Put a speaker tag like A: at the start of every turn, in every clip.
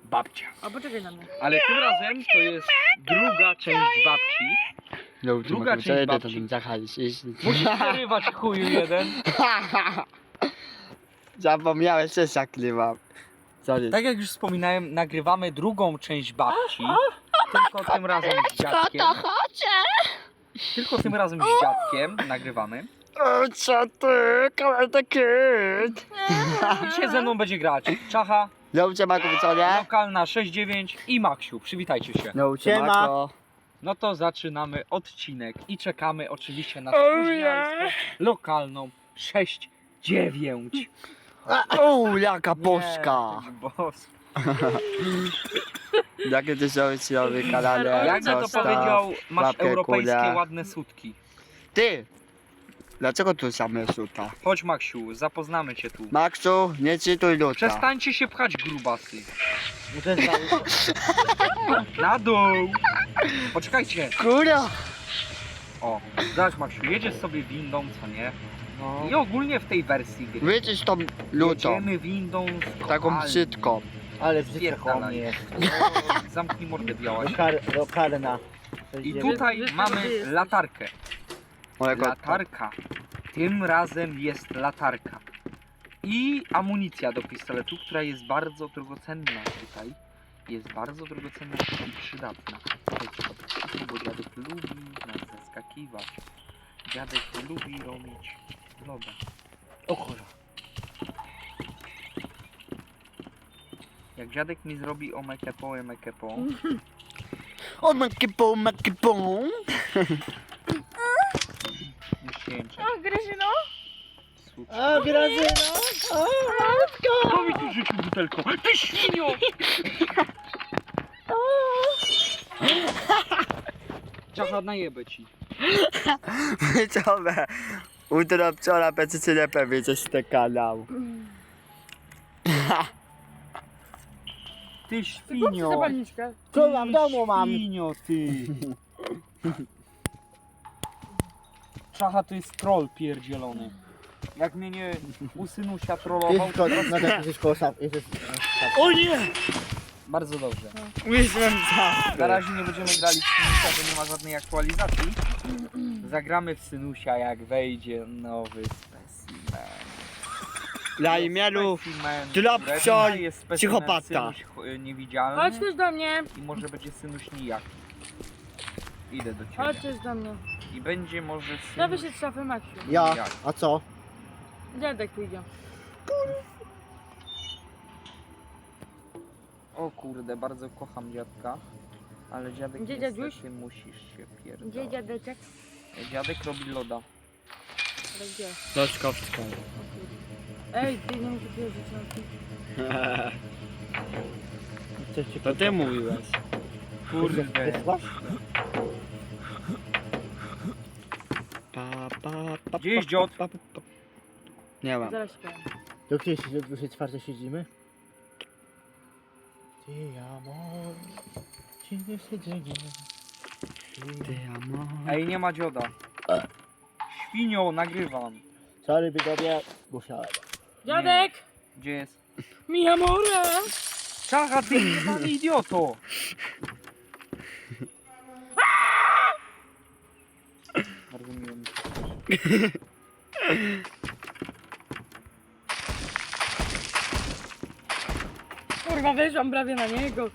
A: babcia.
B: A poczekaj na mnie.
A: Ale tym razem to jest druga część babci. Druga część babci. Musisz przerywać chuju jeden.
C: Zapomniałeś, że zaklewam. Sorry.
A: Tak jak już wspominałem, nagrywamy drugą część babci. Tylko tym razem z dziadkiem. Tylko tym razem z dziadkiem nagrywamy.
C: O, co ty? Kamerę kid.
A: Dzisiaj ze mną będzie grać Czacha,
C: Dobrze, Mako, co nie?
A: lokalna 6-9 i Maksiu. Przywitajcie się.
C: Dobrze, Mako.
A: No to zaczynamy odcinek i czekamy oczywiście na spóźnialską lokalną 6-9.
C: O, jaka boska.
A: Nie, boska.
C: Jakie ty sobie robi kanale?
A: Jakby to
C: Zostaw
A: powiedział, masz
C: łapkę,
A: europejskie
C: kulę.
A: ładne sutki.
C: Ty! Dlaczego tu same suta?
A: Chodź Maksiu, zapoznamy cię tu.
C: Maxu, nie czytuj luta.
A: Przestańcie się pchać, grubasy. Na dół. Poczekajcie.
C: Kurwa!
A: O, zobacz Maksiu, jedziesz sobie windą, co nie?
C: No.
A: I ogólnie w tej wersji gry
C: Wyjdź tą lutą.
A: jedziemy windą z
C: Taką
A: kopalni.
C: brzydką.
D: Ale brzydko
A: Spierdalaj.
D: mnie.
A: Zamknij mordę białaś.
D: Lokalna.
A: I tutaj mamy latarkę.
C: Mojego
A: Latarka. Tym razem jest latarka. I amunicja do pistoletu, która jest bardzo drogocenna tutaj. Jest bardzo drogocenna i przydatna. Słuchajcie, bo dziadek lubi nas zaskakiwać. Dziadek lubi robić loda.
D: O kurwa.
A: Jak dziadek mi zrobi omekepo,
C: O, makipą.
A: nie jęczeć.
B: O, Grażyno?
A: Słuchaj.
D: A, Grażyna! O, matko!
A: Kto mi tu rzucił butelką? Ty świnio! Czacha, najebę ci.
C: Widzowie, jutro wczoraj będziecie nie pewnie coś z ten kanał.
A: Ty
B: Kupcie
A: świnio!
B: zapalniczkę.
D: Kurwa, w domu mam.
A: Świnio, ty! Czacha to jest troll pierdzielony. Jak mnie nie u synusia trollował,
D: Jest
A: to
D: to, no tak, jest koło szaf.
C: O nie!
A: bardzo dobrze.
C: Myślałem
A: Na razie nie będziemy grali w synusia, bo nie ma żadnej aktualizacji. Zagramy w synusia, jak wejdzie nowy specimen.
C: Dla imieniu
A: Specimen.
C: Dropshot
A: Jest specimen
C: psychopata.
A: Synuś niewidzialny
B: Chodź też do mnie.
A: i może będzie synuś nijaki. Idę do
B: Chodź
A: ciebie.
B: też do mnie.
A: I będzie może
B: Ja
A: synuś...
B: wyszedł z szafy Maksiu.
D: Ja, a co?
B: Dziadek pójdzie.
A: O kurde, bardzo kocham dziadka. Ale dziadek
B: Gdzie
A: niestety
B: dziaduś?
A: musisz się
B: Gdzie
A: pierdolić.
B: dziadeczek?
A: Dziadek robi loda.
B: Ale gdzie?
C: Loczkowską.
B: Ej, ty nie musisz jeździć na tym.
D: Coś ci
C: To ty mówiłeś.
A: Kurde.
D: Wysłasz?
A: Gdzie jest dziot?
C: Nie mam.
B: Zaraz ci powiem.
D: Do której się, do 24 siedzimy? Ty amor, ci nie siedzenie.
C: Ty amor.
A: Ej, nie ma dzioda. Świnio, nagrywam.
D: Sorry, widzowie, musiałem.
B: Dziadek!
A: Gdzie jest?
B: Mi amore!
A: Czacha, ty jebany idioto! Bardzo miło mi się.
B: Kurwa, weszłam prawie na niego.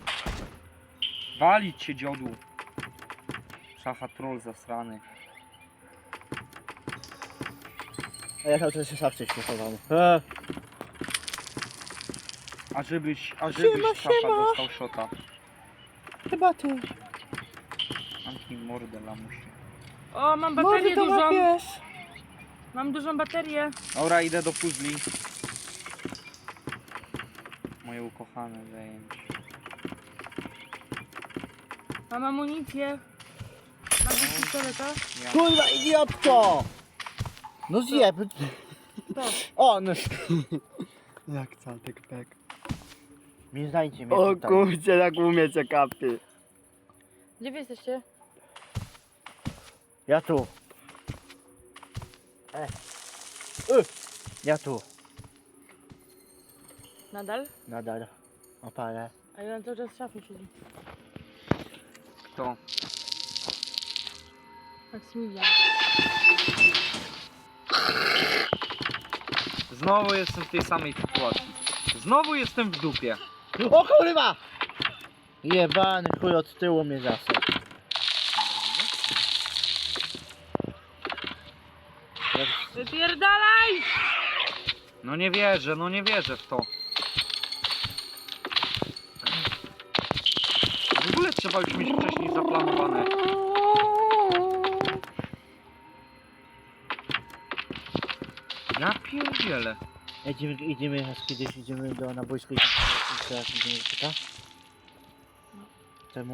A: Walić się, dziodu. Czacha, troll zasrany.
D: A ja cały czas się szafce śmiechowałem.
A: A żebyś
D: Siema,
A: Czacha
D: siema.
A: dostał szota.
D: Chyba ty.
A: Zamknij mordę, lamusie.
B: O, mam baterię dużą. Mam dużą baterię.
A: Dobra, idę do puzli. Moje ukochane zajęcie.
B: Mam amunicję. Mam do pistoleta.
A: Ja.
D: Kurwa, idiotko! No zjeb.
B: To.
D: O, no.
C: Jak catek pek.
D: Nie znajdzie mnie
C: O
D: tutaj.
C: kurczę, jak umiecie kapy.
B: Gdzie wy jesteście?
D: Ja tu. Ja tu.
B: Nadal?
D: Nadal. Opalę.
B: A ja cały czas w szafie siedzi.
A: Kto?
B: Maksymilian.
A: Znowu jestem w tej samej sytuacji. Znowu jestem w dupie.
D: O kurwa! Jebany chuj od tyłu mnie zasał.
B: Wypierdalaj!
A: No nie wierzę w to. W ogóle trzeba już mieć wcześniej zaplanowane. Ja pierdzielę.
D: Idziemy raz kiedyś, idziemy na boisko i teraz idziemy do pyta? Czemu?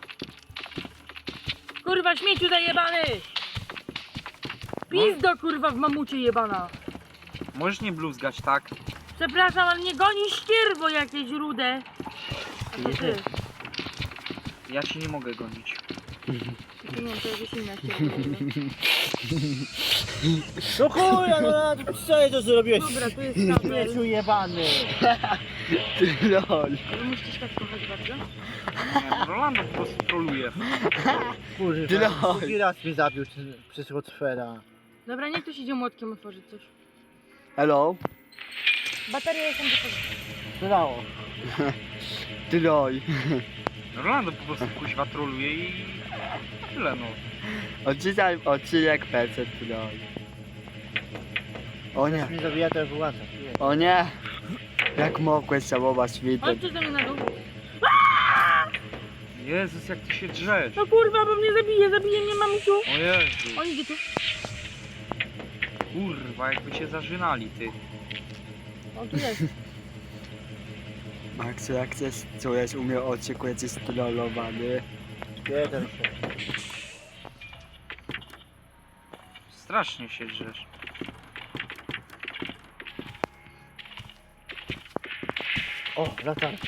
B: Kurwa, śmieciu zajebany! Pizdo kurwa w mamucie jebana!
A: Możesz nie bluzgać, tak?
B: Przepraszam, ale nie goni ścierwo jakieś rude. A to ty.
A: Ja ci nie mogę gonić.
B: Nie wiem, to jakieś inne ścierwo.
D: No chuja, no co ja to zrobiłeś?
B: Dobra, tu jest kabel.
D: Śmieciu jebany!
C: Lol.
B: Ale musisz tak kochać bardzo.
A: Nie, no Rolando po prostu troluje.
D: Kurwa, drugi raz mnie zabił przez Rotfera.
B: Dobra, niech ktoś idzie młotkiem otworzyć coś.
C: Hello?
B: Bateria jest tam do
D: Brało.
C: Lol.
A: Rolando po prostu kuźwa troluje i tyle no.
C: Odcinek PC lol. O nie,
D: Mnie zabija to wyłącza.
C: o nie. Jak mogłeś całować widok?
B: Chodźcie do mnie na dół.
A: Jezus, jak ty się drzesz.
B: No kurwa, bo mnie zabije mnie mamusiu.
A: O Jezu.
B: On idzie tu.
A: Kurwa, jakby cię zażynali, ty.
B: On tu jest.
C: Maxu, jak chcesz czujesz u mnie odcinku, jesteś trollowany.
D: Jeden się.
A: Strasznie się drzesz.
D: O, latarka.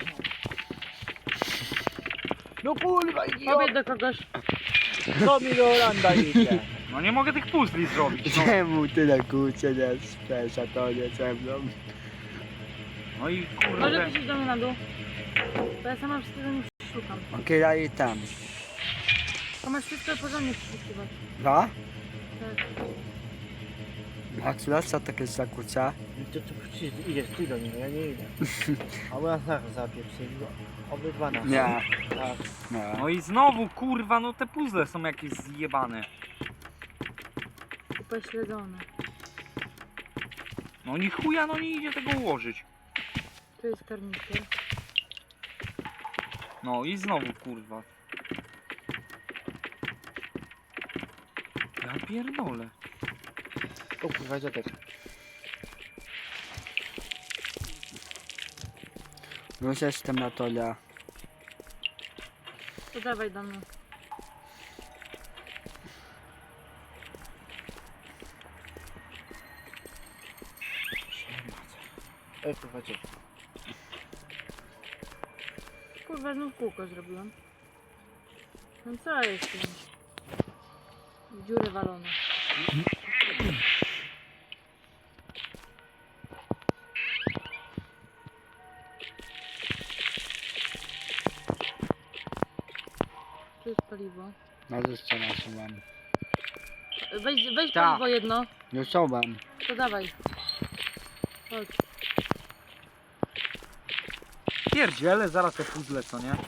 D: No kurwa,
B: Powiedz do kogoś.
D: Co mi do Holanda idzie?
A: No nie mogę tych puzli zrobić, no.
C: Czemu tyle kurczę nie spesz, a to nie ze mną?
A: No i
B: Może
A: kurde.
B: ty iść do mnie na dół. Bo ja sama wszystkiego nie przeszukam.
C: Okej, ja i tam.
B: To masz wszystko porządnie przeszukiwać.
C: No?
B: Tak.
C: Maxu, co takie zakłóca?
D: To przecież idziesz ty do niego, ja nie idę. A u nas zaraz zapieprzy. Obydwa nas.
C: Nie.
D: Tak.
C: Nie.
A: No i znowu, kurwa, no te puzzle są jakieś zjebane.
B: Upośledzone.
A: No ni chuja, no nie idzie tego ułożyć.
B: Tu jest karnister.
A: No i znowu, kurwa. Ja pierdolę.
D: O kurwa, dziadek.
C: Już jestem na tole.
B: To dawaj do mnie.
D: Ej kurwa, dziadek.
B: Kurwa, znów kółko zrobiłam. No co jest tym? W dziurę walone. Tu jest paliwo.
C: Na co nasuwam.
B: Weź
A: Ta.
B: paliwo jedno.
C: Już sobam.
B: To dawaj. Chodź.
A: Pierdziele, zaraz te puzzle, co nie?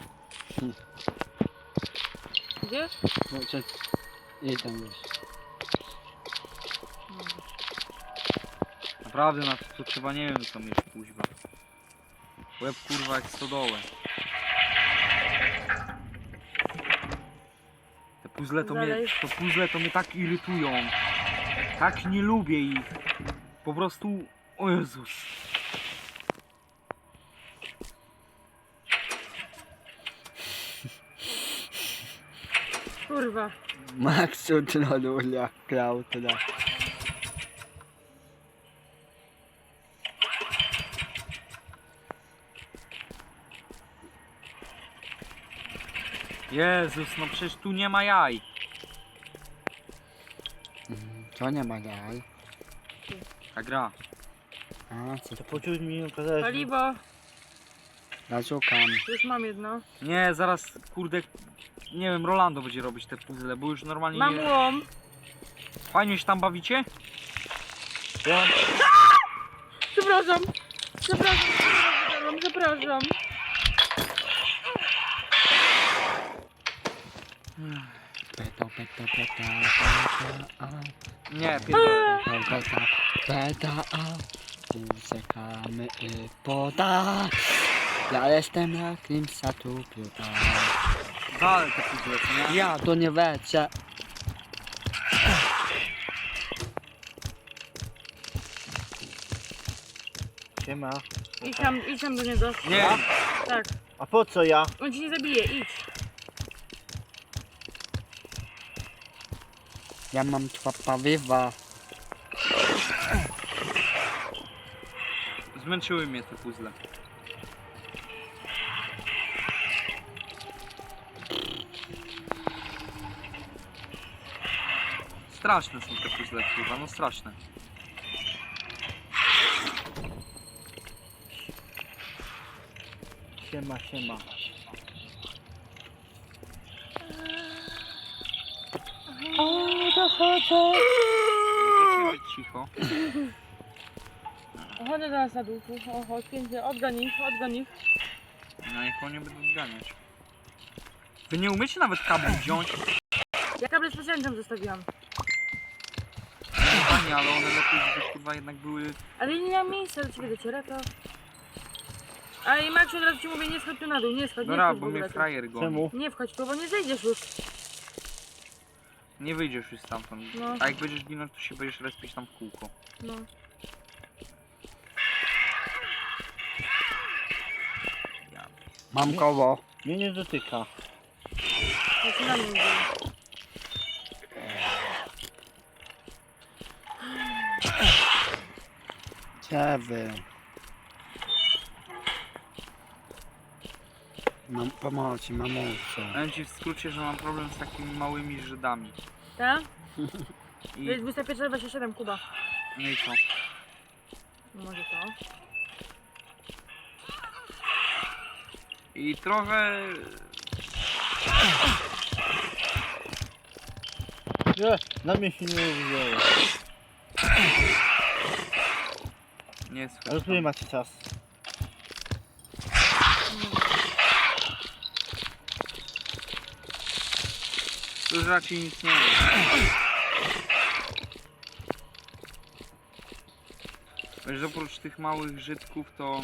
B: Gdzieś?
C: No, idę już.
B: Dobra.
A: Naprawdę na to trzeba nie wiem co mieć kuźwa. Łeb kurwa jak stodołę.
B: Dalej.
A: Te puzzle to mnie tak irytują. Tak nie lubię ich. Po prostu... O Jezus.
B: Kurwa.
C: Maxu troluje, Klautra.
A: Jezus, no przecież tu nie ma jaj.
C: To nie ma jaj.
A: Ta gra.
C: A, co
D: To poczuł mi okazałeś.
B: Paliwo.
C: Ja szukam.
B: Już mam jedno.
A: Nie, zaraz, kurde, nie wiem, Rolando będzie robić te puzzle, bo już normalnie
B: Mam
A: nie...
B: łom.
A: Fajnie się tam bawicie?
D: Ja
B: Przepraszam. Przepraszam.
C: Peta, peta, peta, peta,
A: Nie, pierdolę.
C: peta, peta, uciekamy i poda. Ja jestem jakimś satupiota.
A: Wal te puzzle, co nie?
C: Ja to nie wiecie.
D: siema.
B: Idź tam do niego.
A: Nie,
B: Tak.
D: A po co ja?
B: On ci nie zabije, idź.
C: Ja mam dwa pawiwa.
A: zmęczyły mnie te puzzle. Straszne są te puzzle, kurwa, no straszne.
D: Siema.
A: Możecie być cicho.
B: Chodzę do nas na dół. Chodź, pięknie. Odgoń ich.
A: No niech oni będą zganiać. Wy nie umiecie nawet kabli wziąć?
B: Ja kable specjalnie tam zostawiłam.
A: Fajnie, ale one lepiej, żeby kurwa jednak były...
B: Ale nie miałam miejsca do ciebie dociera, to... A i Maksiu, od razu ci mówię, nie schodź tu na dół, nie schodź, nie
A: Dobra,
B: wchodź w
A: bo
B: ogóle
A: mnie
B: tu.
A: frajer goni.
D: Czemu?
B: Nie wchodź tu, bo nie zejdziesz już.
A: Nie wyjdziesz już stamtąd.
B: No.
A: A jak będziesz ginąć, to się będziesz respić tam w kółko.
B: No.
A: Ja.
C: Mam koło.
D: Mnie nie dotyka.
B: Ja się na mnie idzie.
C: Gdzie wy? Mam pomocy, mamusiu.
A: Powiem ci w skrócie, że mam problem z takimi małymi Żydami.
B: Tak? To
A: I...
B: jest 21:27, Kuba.
A: No i co?
B: No może to.
A: I trochę...
D: Nie, na mnie się nie uwzięło.
A: Nie
D: Ale
A: słyszę.
D: który macie czas?
A: Tu już raczej nic nie ma. Wiesz, oprócz tych małych Żydków to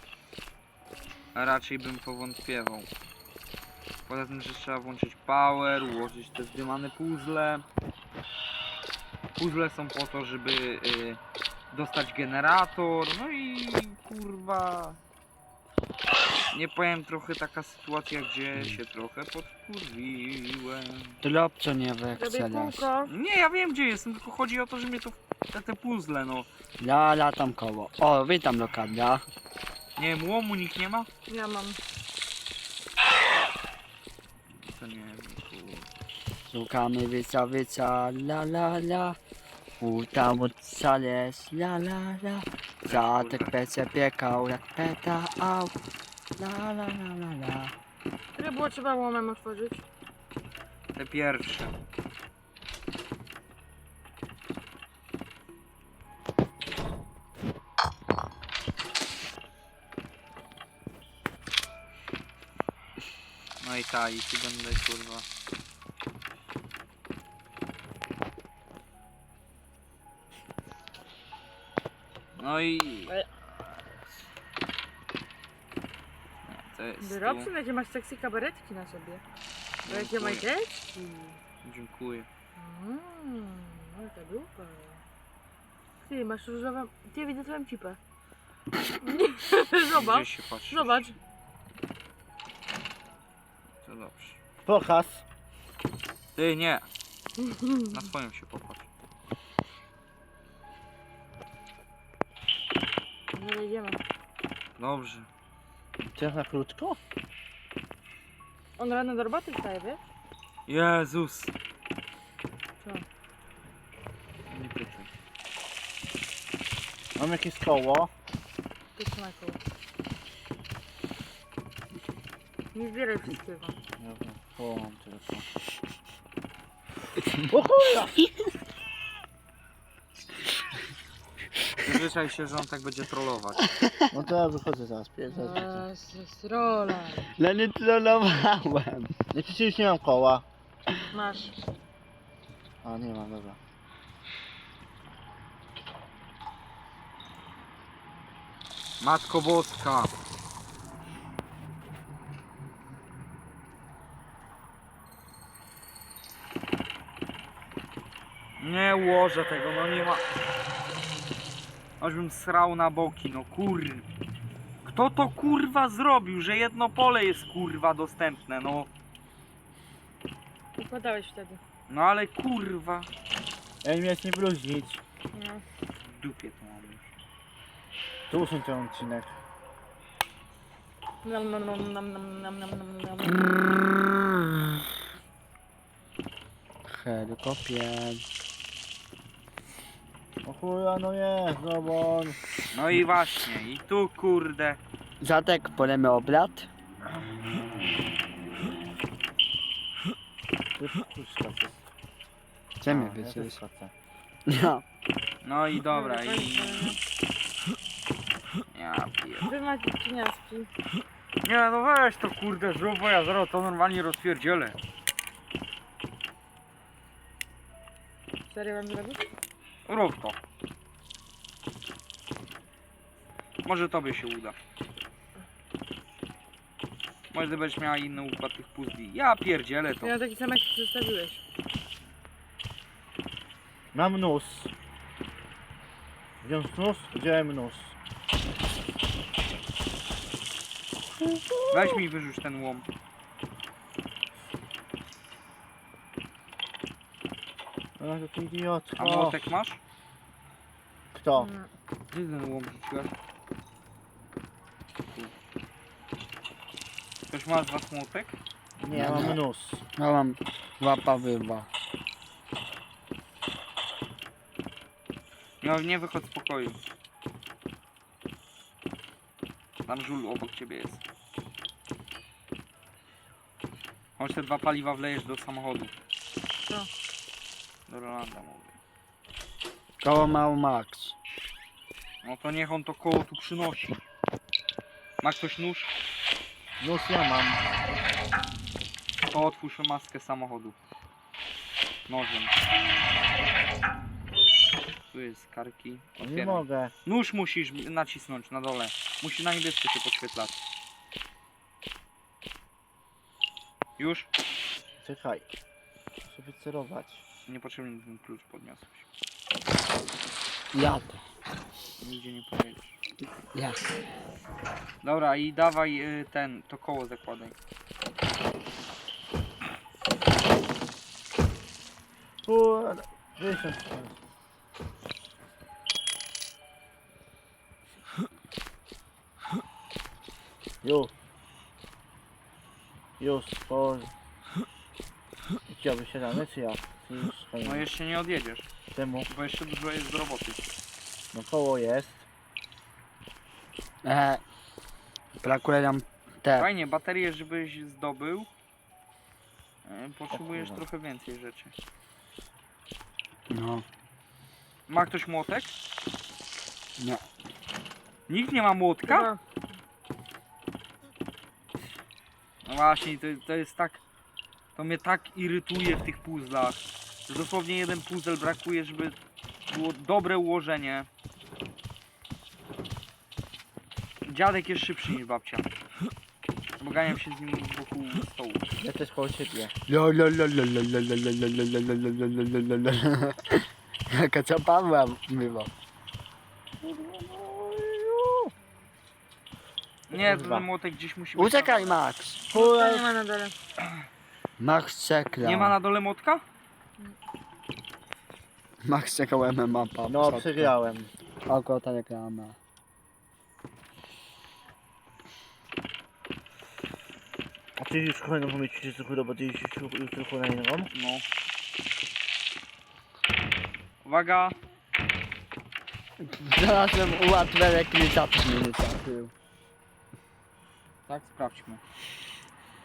A: raczej bym powątpiewał. Poza tym, że trzeba włączyć power, ułożyć te zdymane puzzle. Puzzle są po to, żeby dostać generator, no i kurwa... Nie powiem, trochę taka sytuacja, gdzie się trochę podkurwiłem.
C: Drobco nie
B: Robię
C: wykcelasz.
B: kółko.
A: Nie, ja wiem gdzie jestem, tylko chodzi o to, że mnie to... Te puzzle, no.
C: Ja latam koło. O, witam lokadra.
A: Nie wiem, łomu nikt nie ma?
B: Ja mam.
A: To nie wiem, kurwa.
C: Szukamy wyca, la la la. Udało szales, la la la. Zatek pece piekał jak peta au. La la la la la.
B: Które było trzeba łomem otworzyć?
A: Te pierwsze. No i ta, i tu będę kurwa. No i... Nie, to jest tu.
B: Robson, jakie masz sexy kabaretki na sobie. Bo jakie
A: Dziękuję.
B: majteczki.
A: Dziękuję.
B: Jaka dupa. Ty, masz różową... Ty, widzę twoją cipę. Zobacz,
A: Gdzie się patrzy?
B: zobacz.
A: To dobrze.
D: Pokaz.
A: Ty, nie. Na swoją się popatrz.
B: Nie wejdziemy.
A: Dobrze.
D: Ty na krótko?
B: On rano do roboty wstaje, wiesz?
A: Jezus.
B: Co?
A: Nie pytaj.
D: Mam jakieś koło.
B: Ty trzymaj koło. Nie zbieraj wszystkiego.
D: Dobra, połam tylko. O kurwa!
A: Przyzwyczaj się, że on tak będzie trollować.
D: No to ja wychodzę zaraz, zaraz.
B: Jest rola.
C: No nie trollowałem.
D: Nie, przecież już nie mam koła.
B: Masz.
D: A, nie mam, dobra.
A: Matko Boska. Nie ułożę tego, no nie ma. Ażbym srał na boki, no kur. Kto to kurwa zrobił, że jedno pole jest kurwa dostępne, no.
B: Układałeś wtedy.
A: No ale kurwa.
D: Ja nie miałeś nie bluźnić.
B: No.
A: W dupie to mam już.
D: Tu usuń ten odcinek.
B: Nam, nam, nam, nam, nam, nam, nam, nam, nam.
C: Helikopter.
D: O chuja, no jest, no bo on...
A: No i właśnie, i tu kurde.
C: Zatek, polemy obrad.
D: Tu jest puszka.
C: Gdzie mnie
D: Ja też
C: wyciąłeś?
D: skaczę.
C: No.
A: No i dobra, i... Ja pier...
B: Wy macie cieniaski.
A: Nie no weź to kurde zrób, bo ja zaraz to normalnie rozpierdzielę.
B: Serio wam zrobić?
A: Rób to. Może tobie się uda. Może ty będziesz miała inny układ tych puzli. Ja pierdzielę to.
B: Ja taki sam jak zostawiłeś.
D: Mam nóż. Wziąłem nóż, wziąłem nóż.
A: Weź mi wyrzuć ten łom.
D: No to idiotko.
A: A młotek masz?
D: Kto?
B: No.
A: Gdzie ten łom rzuciłeś? Tu. Ktoś ma z was młotek?
D: Nie, ja mam nóż.
C: Ja mam łapa wywa.
A: No nie wychodź z pokoju. Tam żul obok ciebie jest. Chodź te 2 paliwa wlejesz do samochodu.
B: Co?
A: Do Rolanda mówię.
C: Koło mał Max.
A: No to niech on to koło tu przynosi. Ma ktoś nóż?
D: Nóż ja mam.
A: To otwórz maskę samochodu. Nożem. Tu jest karki.
D: O, nie
A: Otwieram.
D: mogę.
A: Nóż musisz nacisnąć na dole. Musi na niebiesko się podświetlać. Już?
D: Czekaj. Muszę wycerować.
A: Niepotrzebny ten klucz podniosłeś.
C: Jadę.
A: Nigdzie nie pojedziesz.
C: Ja.
A: Dobra i dawaj to koło zakładaj.
D: Kurde. Wysiądź. Już. Już, po... Chciałby się dane, czy ja? Czy już
A: No
D: fajnie?
A: jeszcze nie odjedziesz,
D: Czemu?
A: bo jeszcze dużo jest do roboty.
D: No koło jest.
C: Brakuje nam te.
A: Fajnie, baterię żebyś zdobył. Potrzebujesz
D: O kurwa.
A: trochę więcej rzeczy.
C: No.
A: Ma ktoś młotek?
C: Nie.
A: Nikt nie ma młotka?
B: Chyba.
A: No właśnie, to jest tak... To mnie tak irytuje w tych puzzlach. Dosłownie jeden puzzle brakuje, żeby było dobre ułożenie. Dziadek jest szybszy niż babcia. Bo ganiam się z nim wokół stołu.
D: Ja też koło ciebie.
C: Jaka co Pawła bywa.
A: Nie,
D: Kurwa.
A: ten młotek gdzieś musi być.
C: Uciekaj Max.
B: To nie ma na dole.
C: Max czeka.
A: Nie ma na dole młotka?
C: Max czekał MMA pa.
D: No, przegrałem.
C: Oko ta reklama.
D: A ty już kolejną pomyślisz, że chudo, bo ty już kolejną?
A: No. Uwaga!
C: Znalazłem ułatwienie rekrutacji mnie nie trafił.
A: Tak, sprawdźmy.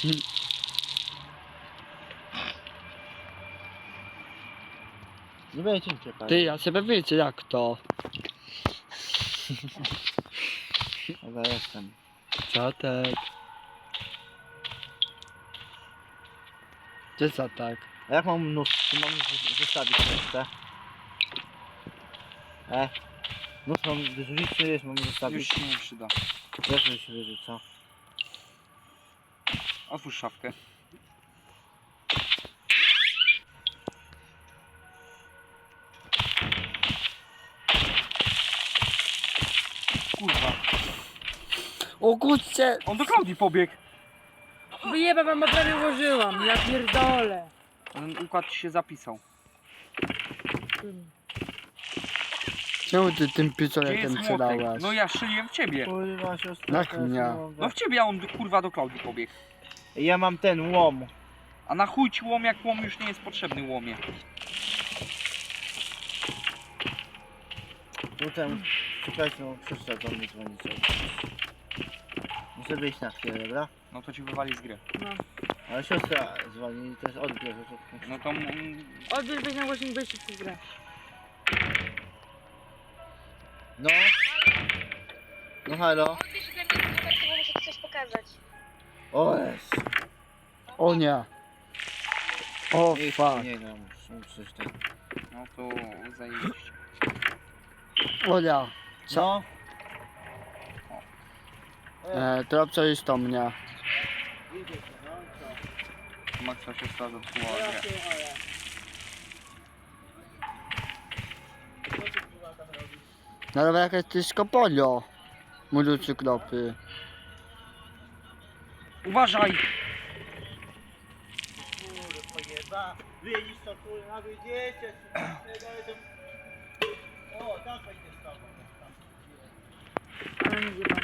D: Nie będzie im ciepać.
C: Ty, ja sobie wiecie jak to.
D: Dobra, jestem.
C: Czatek. Gdzie Czatek?
D: A jak mam nóż? Tu mam zostawić resztę. Nóż mam wyrzucić, czy jest? Mam
A: Już
D: zostawić?
A: się nie przyda.
D: Jak to się wyrzuca?
A: Otwórz szafkę. Kurwa.
C: O kurczę!
A: On do Klaudii pobiegł.
B: Wyjeba wam, bo prawie ułożyłam. Ja pierdolę.
A: Ten układ ci się zapisał.
C: Czemu ty tym
A: Gdzie
C: pistoletem
A: jest młotek?
C: strzelałeś?
A: No ja szyliłem w ciebie.
D: Kurwa, siostra.
C: Jak
D: teraz
C: nie?
D: nie mogę.
A: No w ciebie, a on kurwa do Klaudii pobiegł.
D: Ja mam ten łom.
A: A na chuj ci łom, jak łom już nie jest potrzebny łomie.
D: Potem czekajcie, no siostra do mnie dzwoni cały czas. Muszę wyjść na chwilę, dobra?
A: No to ci wywali z gry.
B: No.
D: Ale siostra dzwoni i też odbierze. To...
A: No to
B: Odbierz, weź na głośnik, weź w grę.
D: No. No halo.
E: Odbierz ode mnie numer, to muszę ci coś pokazać.
D: O jest.
C: O nie. O fuck.
D: Nie no, muszę coś tam.
A: no to zajebiście.
C: O ja.
D: No.
C: To co jest to mnie?
D: Idzie się, no co?
A: Maxa się stała zepsuła grę.
C: No dobra, jakaś ty skopolio. Młoducy kropy.
A: Uważaj!
D: Kurwa, widzisz to kurwa, widzicie? O, tam wejdzie z tobą.
B: Ale nie zjebam.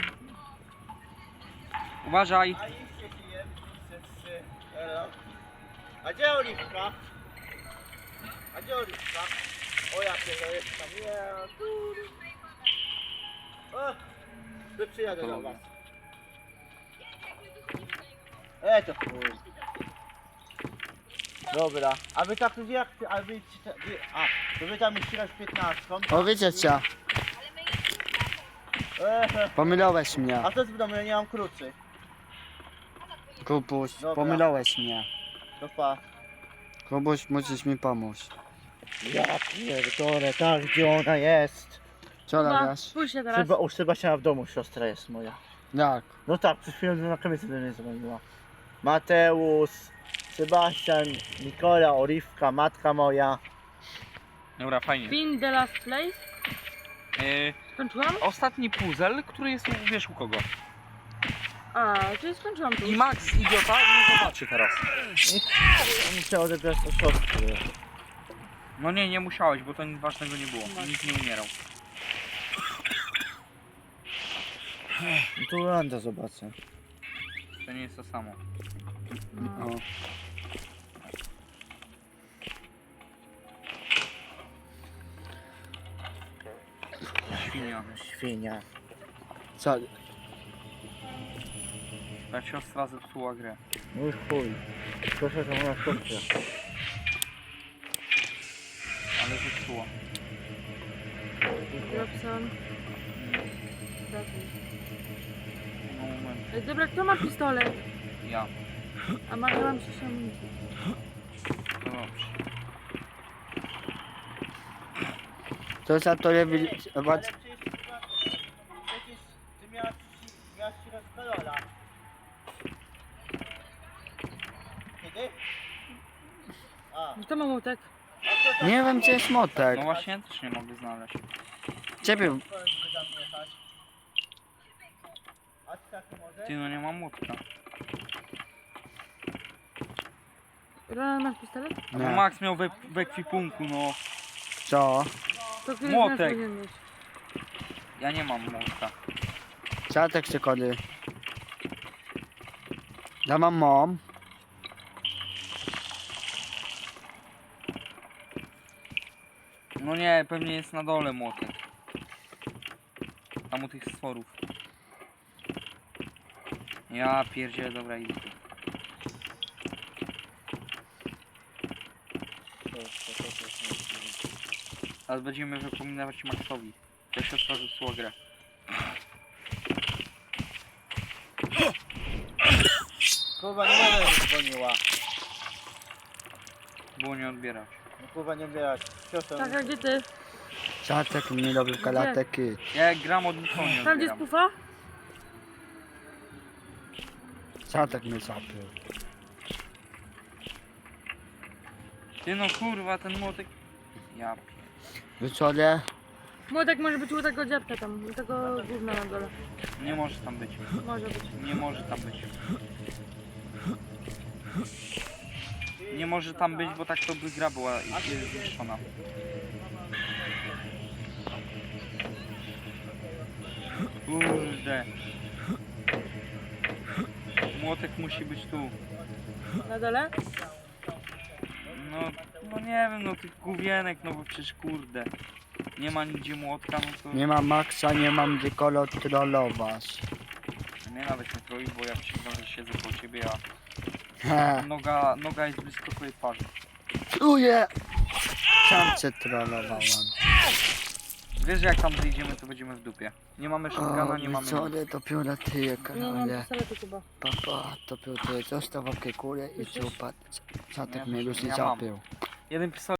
A: Uważaj!
D: A iście ci jem, trzy. A gdzie Oliwka? A gdzie Oliwka? O ja pierdolę, jest tam. Nie, kurwa. O, to przyjadę do was. To chuj. Dobra, a wy tak jak, a wy, to wy tam ścigasz 15.
C: O wiecie co? Pomylałeś mnie.
D: A co z domu, ja nie mam kluczy.
C: Kubuś,
D: Dobra.
C: pomylałeś mnie.
D: To pa.
C: Kubuś, musisz mi pomóc.
D: Ja pierdolę, tak gdzie ona jest.
C: Co
B: No,
C: robisz?
B: spójrz się teraz.
D: U Sebastiana w domu siostra jest moja.
C: Jak?
D: No tak, przed chwilą na kamienicy do mnie dzwoniła. Mateusz, Sebastian, Nikola, Oliwka, matka moja.
A: Dobra, fajnie.
B: Pin the last place. Skończyłam?
A: Ostatni puzzle, który jest wiesz u kogo.
B: A, czyli skończyłam tu.
A: I Max, idiota, nie zobaczy teraz.
D: Muszę odebrać od siostry.
A: No nie musiałeś, bo to nic ważnego nie było. Nikt nie umierał.
D: No tu Landa zobaczę.
A: To nie jest to samo.
B: No.
C: O.
A: Świnia.
D: Świnia.
C: Co?
A: Ta siostra zepsuła grę.
D: No i chuj. Proszę to moja siostra.
A: Ale zepsuła.
B: Robson. Ratuj.
A: No moment.
B: Ej, dobra, kto ma pistolet?
A: Ja.
B: A mam się amunicję.
A: To dobrze.
C: To za to lewi...
D: Ale przecież ty miałaś ścigać Karola. Kiedy? A,
B: Kto ma młotek?
C: Nie wiem gdzie jest motek.
A: No właśnie, ja też nie mogę znaleźć.
C: Ciebie...
D: a ty tak może?
A: Ty, no nie mam młotka.
B: Ronald, masz pistolet?
A: No
C: Nie.
A: Max miał w ekwipunku, no.
C: Co?
B: To który
A: Młotek.
B: z nas powinien mieć?
A: Ja nie mam młotka.
C: Czatek czy kody? Ja mam mom.
A: No nie, pewnie jest na dole młotek. Tam u tych stworów. Ja pierdzielę, dobra, idę tu. Ale będziemy wypominać Maxowi. To siostra zepsuła grę.
D: Kurwa, nie będę dzwoniła.
A: Było nie odbierać.
D: No kurwa, nie odbierać. Siostra,
B: Tak, a gdzie ty?
C: Czatek mi robił kalateki.
A: Ja jak gram od nikogo nie
B: Tam gdzie jest
A: odbieram.
B: pufa?
C: Czatek mnie zapił.
A: Ty no kurwa, ten młotek... Ja pier...
C: Wieczorem
B: Młodek może być u tego dziadka tam, u tego gówna na dole.
A: Nie może tam być.
B: Może być.
A: Nie może tam być. Nie może tam być, bo tak to by gra była zniszczona. Kurde. Młotek musi być tu.
B: Na dole?
A: No nie wiem, no tych główienek, no bo przecież kurde. Nie ma nigdzie młotka, no to...
C: nie mam Maxa, nie mam gdzie trollować.
A: Nie nawet nie troi, bo ja przyznam, że siedzę po ciebie, a
C: He,
A: noga jest blisko twojej twarzy.
C: czuję! Sam cię trollowałem.
A: Wiesz, że jak tam wyjdziemy, to będziemy w dupie. Nie mamy shotguna,
C: O,
A: nie mamy...
C: wieczorem dopiero ty,
B: Nie mam
C: ale
B: pistoletu chyba.
C: papa, dopiero ty został w kulę i ciupa. Czatek
A: Nie,
C: mnie już nie
A: ja mam.
C: zapił.
A: Jeden pistolet